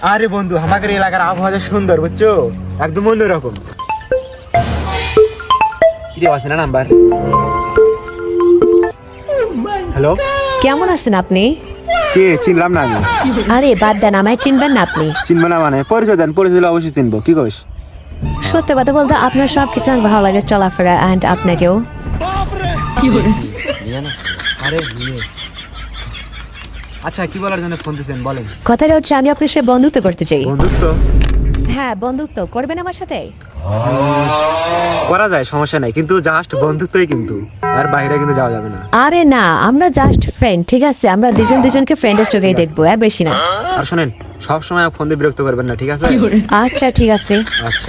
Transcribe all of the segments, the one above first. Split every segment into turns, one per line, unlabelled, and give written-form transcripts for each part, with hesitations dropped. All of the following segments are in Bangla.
আরে বন্ধু, আমাদের এলাকার আবহাওয়া সুন্দর, বুঝছো, একদম অন্যরকম। কি আছে না নাম্বার? হ্যালো,
কেমন আছেন আপনি?
কে? চিনলাম না আমি।
আরে বাদ দেন, আমায় চিনবেন না আপনি?
চিনবো না মানে? পরিচয় দেন, পরিচয় দিলে অবশ্যই চিনবো। কি কইস?
সত্য কথা বলতে আপনার সব কিছু অনেক ভালো লাগে, চলাফেরা, অ্যান্ড আপনাকেও।
আরে আচ্ছা, কি বলার জন্য ফোন দিয়েছেন বলেন।
কথাটা হচ্ছে আমি আপনার সাথে বন্ধুত্ব করতে চাই।
বন্ধুত্ব?
হ্যাঁ, বন্ধুত্ব করবেন আমার সাথে?
করা যায়, সমস্যা নাই, কিন্তু জাস্ট বন্ধুত্বই, কিন্তু আর বাইরে কিন্তু যাওয়া যাবে না।
আরে না, আমরা জাস্ট ফ্রেন্ড, ঠিক আছে? আমরা দুজন দুজনকে ফ্রেন্ডের চোখেই দেখবো, আর বেশি না।
আর শোনেন, সব সময় ফোন দিয়ে বিরক্ত করবেন না, ঠিক আছে?
আচ্ছা ঠিক আছে।
আচ্ছা।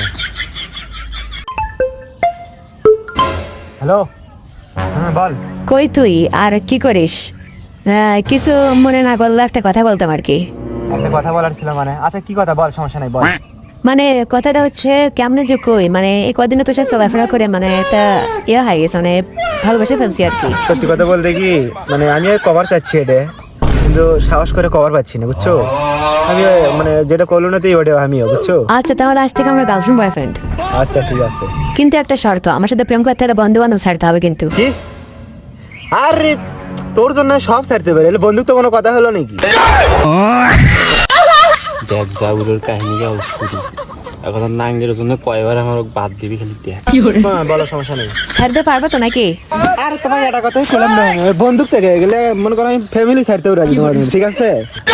হ্যালো, হ্যাঁ বল।
কই তুই, আর কি করিস? কিছু মনে না করলে একটা কথা বলতাম আর কি।
একটা কথা বলার ছিল মানে? আচ্ছা, কি কথা বল, সমস্যা নাই, বল।
মানে কথাটা হচ্ছে কেমনে যে কই, মানে এই কদিনে তোর সাথে চলাফেরা করে মানে একটা ইয়ে হয়ে গেছে, মানে ভালোবেসে ফেলছি আর কি।
সত্যি কথা বলতে কি, মানে আমি কভার চাচ্ছি এটা, কিন্তু সাহস করে কভার পাচ্ছি না, বুঝছো। আমি মানে যেটা করলো না তুই ওটা আমিও, বুঝছো।
আচ্ছা, তাহলে আজ থেকে আমরা গার্লফ্রেন্ড বয়ফ্রেন্ড।
আচ্ছা ঠিক আছে,
কিন্তু একটা শর্ত, আমার সাথে প্রেম করতে হলে বন্ধু বান্ধব ছাড়তে হবে কিন্তু।
কি? আরে তোর জন্য সব ছাড়তে পারে, বন্ধুত্ব কোনো কথা হলো নাকি?
দেখ জাউরের কাহিনীটা শুরু এখন নাঙ্গের জন্য কয়বার আমার বাদ দিবি খালি দেখ।
হ্যাঁ বলো, সমস্যা নেই।
ছাড়তে পারবে তো নাকি?
আরে তোমার একটা কথাই বললাম না, বন্দুক থেকে গেলে মনে করো আমি ফ্যামিলি ছাড়তেও রাজি তোমার, ঠিক আছে?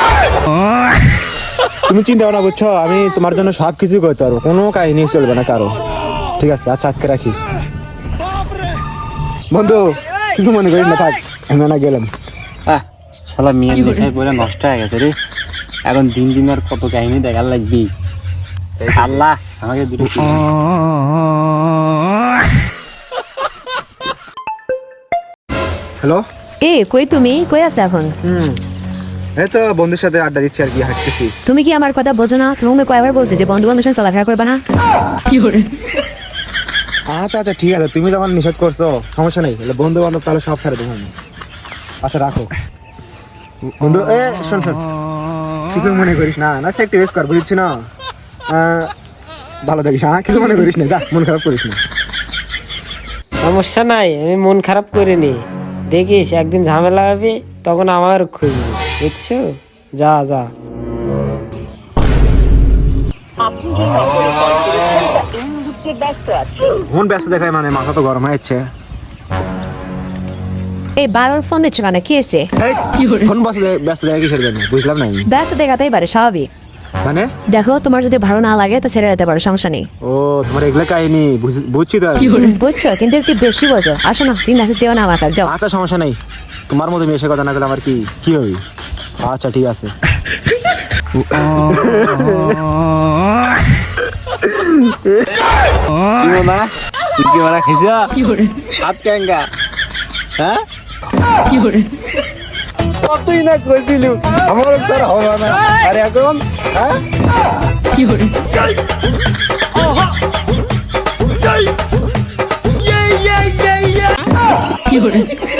তুমি চিন্তা ভাবনা, বুঝছো, আমি তোমার জন্য সব কিছু করতে পারবো, কোনো কাহিনী চলবে না কারো, ঠিক আছে? আচ্ছা আজকে রাখি বন্ধু, কিছু মনে করিস না, থাক, আমি না গেলাম।
শালা মেয়ের নেশায় পড়ে নষ্ট হয়ে গেছে রে। এখন দিন দিন আর কত কাহিনী দেখার লাগবি। আল্লাহ আমাকে দুটো
হ্যালো,
কই তুমি, কই আছো এখন?
এই তো বন্ধুর সাথে আড্ডা দিচ্ছি আর কি, হাঁটতেছি।
তুমি কি আমার কথা বোঝো না? তুমি কয়বার বলছি যে বন্ধু বান্ধবের সাথে চলাফেরা করবে না।
আচ্ছা আচ্ছা ঠিক আছে, তুমি যখন নিষেধ করছো সমস্যা নেই, বন্ধু বান্ধব তাহলে সব ছাড়ে দেবো আমি। আচ্ছা রাখো বন্ধু। শোন শোন, কিছু মনে করিস না, না সে একটু রেস্ট কর, বুঝছি না? ভালো থাকিস, হ্যাঁ, কিছু মনে করিস না, যা, মন খারাপ করিস না।
সমস্যা নাই, আমি মন খারাপ করিনি। দেখিস একদিন ঝামেলা হবে, তখন আমার খুঁজবি, বুঝছো? যা যা।
মন ব্যস্ত দেখায়, মানে মাথা তো গরম হয়ে যাচ্ছে।
এই বারবার ফোন দিচ্ছ কেন, কি এসে?
ফোন ব্যস্ত দেখা কিসের জন্য, বুঝলাম না আমি।
ব্যস্ত দেখাতেই পারে, স্বাভাবিক।
মানে
দেখো, তোমার যদি ভালো না লাগে তো ছেড়ে যেতে পারো, সমস্যা নেই।
ও, তোমার এগুলো কাহিনী বুঝছি তো আমি।
বুঝছো, কিন্তু একটু বেশি বোঝো। আসো না, তিন নাচে দিও না আমাকে, যাও।
আচ্ছা সমস্যা নেই, তোমার মতো মেয়ের কথা না বলে আমার কি কি হবে? আচ্ছা ঠিক আছে।
কি না তুই কি মারা খাইছা সাত ক্যাঙ্গা? হ্যাঁ
কতই না কইছিল আমার স্যার হবে না, আর এখন হ্যাঁ
কি